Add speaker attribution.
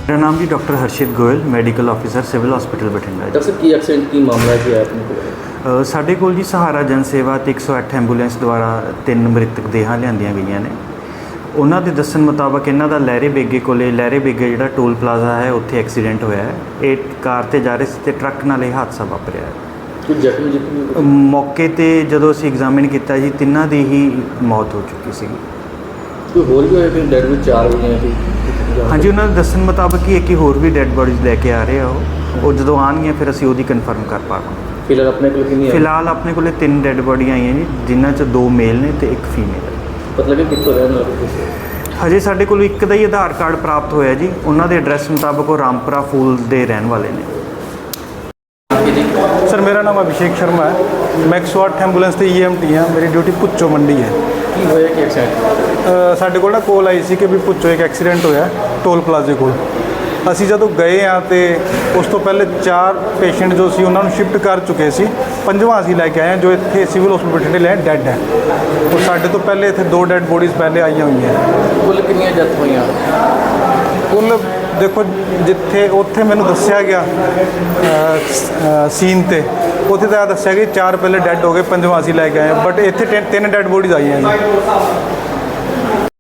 Speaker 1: मेरा नाम जी doctor Harshit Goyal, medical officer civil hospital Bathinda.
Speaker 2: Doctor साहब की एक्सीडेंट की मामला जी है अपने को?
Speaker 1: ਸਾਡੇ ਕੋਲ ਜੀ ਸਹਾਰਾ ਜਨ ਸੇਵਾ ਤੇ 108 ਐਂਬੂਲੈਂਸ ਦੁਆਰਾ 3 ਮ੍ਰਿਤਕ ਦੇਹਾਂ ਲਿਆਂਦੀਆਂ ਗਈਆਂ ਨੇ। ਉਹਨਾਂ ਦੇ ਦੱਸਣ ਮੁਤਾਬਕ ਇਹਨਾਂ ਦਾ ਲਹਿਰੇ ਬੇਗੇ ਜਿਹੜਾ ਟੋਲ ਪਲਾਜ਼ਾ ਹੈ ਉੱਥੇ ਐਕਸੀਡੈਂਟ ਹੋਇਆ ਹੈ। ਇਹ ਕਾਰ ਤੇ ਜਾ ਰਹੇ ਸੀ ਤੇ ਟਰੱਕ ਨਾਲ ਇਹ ਹਾਦਸਾ ਵਾਪਰਿਆ ਹੈ।
Speaker 2: ਕੋਈ ਜ਼ਖਮੀ
Speaker 1: ਮੌਕੇ ਤੇ ਜਦੋਂ ਅਸੀਂ ਐਗਜ਼ਾਮਿਨ ਕੀਤਾ ਜੀ ਤਿੰਨਾਂ ਦੀ ਹੀ ਮੌਤ ਹੋ ਚੁੱਕੀ ਸੀ।
Speaker 2: ਕੋਈ ਹੋਰ ਵੀ ਹੋਇਆ ਕਿ ਡੈਡ ਵੀ 4 ਵਜੇ ਸੀ?
Speaker 1: ਹਾਂਜੀ, ਉਹਨਾਂ ਦੇ ਦੱਸਣ ਮੁਤਾਬਕ ਹੀ ਇੱਕ ਹੀ ਹੋਰ ਵੀ ਡੈੱਡ ਬੋਡੀਜ਼ ਲੈ ਕੇ ਆ ਰਹੇ ਆ। ਉਹ ਜਦੋਂ ਆਉਣਗੀਆਂ ਫਿਰ ਅਸੀਂ ਉਹਦੀ ਕਨਫਰਮ ਕਰ ਪਾਵਾਂਗੇ।
Speaker 2: ਫਿਲਹਾਲ ਆਪਣੇ ਕੋਲ ਕਿੰਨੀ ਹੈ?
Speaker 1: ਫਿਲਹਾਲ ਆਪਣੇ ਕੋਲੇ 3 ਡੈੱਡ ਬੋਡੀਆਂ ਆਈਆਂ ਜੀ, ਜਿਨ੍ਹਾਂ 'ਚ 2 ਮੇਲ ਨੇ ਤੇ 1 ਫੀਮੇਲ ਹੈ।
Speaker 2: ਪਤਾ ਲੱਗਿਆ ਕਿੱਥੋਂ ਰਹਿਣ ਵਾਲੇ?
Speaker 1: ਹਜੇ ਸਾਡੇ ਕੋਲ ਇੱਕ ਦਾ ਹੀ ਆਧਾਰ ਕਾਰਡ ਪ੍ਰਾਪਤ ਹੋਇਆ ਜੀ। ਉਹਨਾਂ ਦੇ ਐਡਰੈਸ ਮੁਤਾਬਕ ਉਹ ਰਾਮਪੁਰਾ ਫੂਲ ਦੇ ਰਹਿਣ ਵਾਲੇ ਨੇ।
Speaker 3: सर मेरा नाम अभिषेक शर्मा है। मैं 108 ਐਂਬੂਲੈਂਸ ਤੇ EMT ਹਾਂ। ਮੇਰੀ ਡਿਊਟੀ ਪੁੱਚੋ ਮੰਡੀ ਹੈ।
Speaker 2: ਕੀ ਹੋਇਆ ਕਿ ਐਕਸੀਡੈਂਟ?
Speaker 3: ਸਾਡੇ ਕੋਲ ਨਾ ਕੋਲ ਆਈ ਸੀ ਕਿ ਵੀ ਪੁੱਚੋ ਇੱਕ ਐਕਸੀਡੈਂਟ ਹੋਇਆ ਟੋਲ ਪਲਾਜ਼ੇ ਕੋਲ। ਅਸੀਂ ਜਦੋਂ ਗਏ ਆ ਤੇ ਉਸ ਤੋਂ ਪਹਿਲੇ 4 ਪੇਸ਼ੈਂਟ ਜੋ ਸੀ ਉਹਨਾਂ ਨੂੰ ਸ਼ਿਫਟ ਕਰ ਚੁੱਕੇ ਸੀ। 5ਵਾਂ ਅਸੀਂ ਲੈ ਕੇ ਆਏ ਹਾਂ ਜੋ ਇੱਥੇ ਸਿਵਲ ਹਸਪੀਟਲ ਬਠਿੰਡੇ ਲੈ ਡੈੱਡ ਹੈ। ਉਹ ਸਾਡੇ ਤੋਂ ਪਹਿਲੇ ਇੱਥੇ 2 ਡੈੱਡ ਬੋਡੀਜ਼ ਪਹਿਲੇ ਆਈਆਂ ਹੋਈਆਂ।
Speaker 2: ਕੁੱਲ ਕਿੰਨੀਆਂ ਡੈਥ ਹੋਈਆਂ?
Speaker 3: ਕੁੱਲ ਦੇਖੋ ਜਿੱਥੇ ਉੱਥੇ ਮੈਨੂੰ ਦੱਸਿਆ ਗਿਆ ਸੀਨ ਤੇ ਉੱਥੇ ਤਾਂ ਦੱਸਿਆ ਕਿ 4 ਪਹਿਲੇ ਡੈੱਡ ਹੋ ਗਏ, 5ਵਾਂ ਅਸੀਂ ਲੈ ਕੇ ਆਏ। ਬਟ ਇੱਥੇ 3 ਡੈੱਡ ਬੋਡੀਜ਼ ਆਈਆਂ ਜੀ।